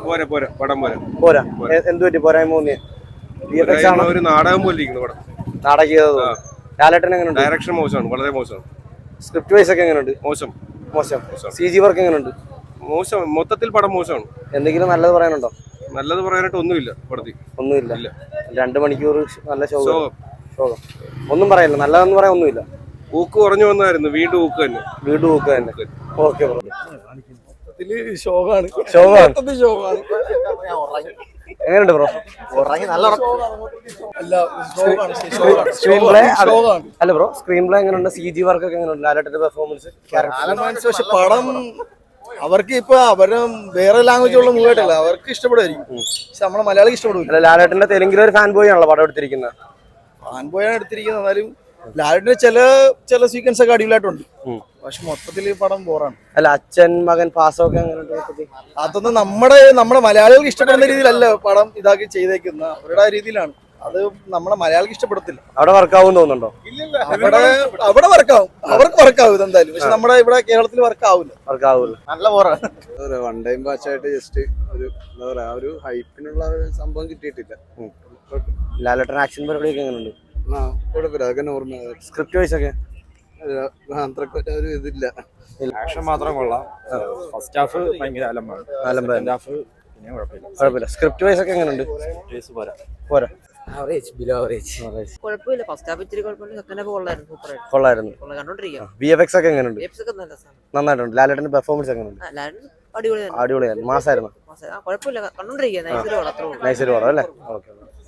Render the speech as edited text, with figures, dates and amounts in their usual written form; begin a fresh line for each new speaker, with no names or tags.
പോരാ പോരാ പടം പോരാ
പോരാ. എന്ത് പറ്റി പോരായ്മ തോന്നിയ?
ഒരു നാടകം പോലെ ഇരിക്കുന്നു പടം.
നാടകം ചെയ്തത്. ലാലേട്ടൻ എങ്ങനെയുണ്ട്?
ഡയറക്ഷൻ മോശമാണ്, വളരെ മോശമാണ്.
സ്ക്രിപ്റ്റ് വൈസ് ഒക്കെ എങ്ങനെയുണ്ട്?
മോശം.
CG വർക്ക് എങ്ങനെയുണ്ട്?
മോശം, മൊത്തത്തിൽ പടം മോശമാണ്.
എന്തെങ്കിലും നല്ലത് പറയാനുണ്ടോ?
നല്ലത് പറയാനായിട്ട് ഒന്നുമില്ല പടത്തിൽ.
ഒന്നുമില്ല. 2 മണിക്കൂർ നല്ല ശോകം. ഒന്നും പറയാനില്ല, നല്ലതെന്ന് പറയാൻ ഒന്നുമില്ല.
ഊക്ക് കുറഞ്ഞു വന്നായിരുന്നു, വീണ്ടും ഊക്ക് തന്നെ.
Okay bro.
ശോകാണ്.
എങ്ങനെയുണ്ട് ബ്രോ? സ്ക്രീൻ പ്ലേ അല്ല ബ്രോ, സ്ക്രീൻ പ്ലേ എങ്ങനെയുണ്ട്? CG വർക്ക് ഒക്കെ എങ്ങനെയുണ്ട്? ലാലേട്ടന്റെ പെർഫോമൻസ്?
പക്ഷെ പടം അവർക്ക് ഇപ്പൊ അവര് വേറെ ലാംഗ്വേജ് ഉള്ള മൂവി ആയിട്ടല്ല, അവർക്ക് ഇഷ്ടപ്പെടുമായിരിക്കും. പക്ഷെ നമ്മളെ മലയാളിക്ക് ഇഷ്ടപ്പെടും.
ലാലേട്ടന്റെ തെലുങ്കിലെ ഒരു ഫാൻ ബോയ് ആണല്ലോ പടം എടുത്തിരിക്കുന്നത്.
ഫാൻ ബോയാണ് എടുത്തിരിക്കുന്നത്. എന്നാലും ലാലേട്ടന്റെ ചില സീക്വൻസ് ഒക്കെ അടിപൊളിയായിട്ടുണ്ട്. പക്ഷെ മൊത്തത്തിൽ പടം ബോറാണ്.
അല്ല, അച്ഛൻ മകൻ പാസമൊക്കെ എങ്ങനെയുണ്ട്?
അതൊന്നും നമ്മുടെ മലയാളികൾക്ക് ഇഷ്ടപ്പെടുന്ന രീതിയിലല്ല പടം ഇതാക്കി ചെയ്തേക്കുന്ന, അവരുടെ രീതിയിലാണ്. അത് നമ്മളെ മലയാളിക്ക് ഇഷ്ടപ്പെടത്തില്ല.
അവിടെ വർക്കാവും തോന്നുന്നുണ്ടോ?
അവിടെ വർക്കാവും, അവർക്ക് വർക്കാവും ഇതെന്തായാലും. പക്ഷെ നമ്മുടെ ഇവിടെ കേരളത്തിൽ വർക്കാവില്ല.
നല്ല ബോറാണ്.
വൺ ടൈം വാച്ചായിട്ട് ജസ്റ്റ് ഒരു എന്താ പറയാ, ഒരു ഹൈപ്പിനുള്ള സംഭവം കിട്ടിയിട്ടില്ല.
ലാലേട്ടൻ ആക്ഷൻ പരിപാടിയൊക്കെ എങ്ങനെയുണ്ട്?
കുഴപ്പമില്ല, അതൊക്കെ നോർമൽ.
സ്ക്രിപ്റ്റ് വൈസ് ഒക്കെ
അത്രക്കൊരു ഒരു ഇതില്ല.
ആക്ഷൻ മാത്രം കൊള്ളാം. ഫസ്റ്റ് ഹാഫ് ഭയങ്കര അലമ്പാണ്. ഹാഫ് പിന്നെ കുഴപ്പമില്ല.
സ്ക്രിപ്റ്റ് വൈസ് ഒക്കെ എങ്ങനെയുണ്ട്? പോരാ.
കുഴപ്പമില്ല. ഫസ്റ്റ് ഹാഫ് ഇത്തിരി കുഴപ്പമില്ല. സെക്കൻഡ് ഹാഫ്
കൊള്ളായിരുന്നു.
കണ്ടോണ്ടിരിക്കാം.
VFX ഒക്കെ എങ്ങനെയുണ്ട്? നന്നായിട്ടുണ്ട്. ലാലേട്ടന്റെ പെർഫോമൻസ് എങ്ങനെയുണ്ട്?
അടിപൊളിയായിരുന്നു.
മാസായിരുന്നു.
കുഴപ്പമില്ല, കണ്ടോണ്ടിരിക്കാം.
നൈസ് ഒരു പടം അല്ലേ? ഓക്കെ.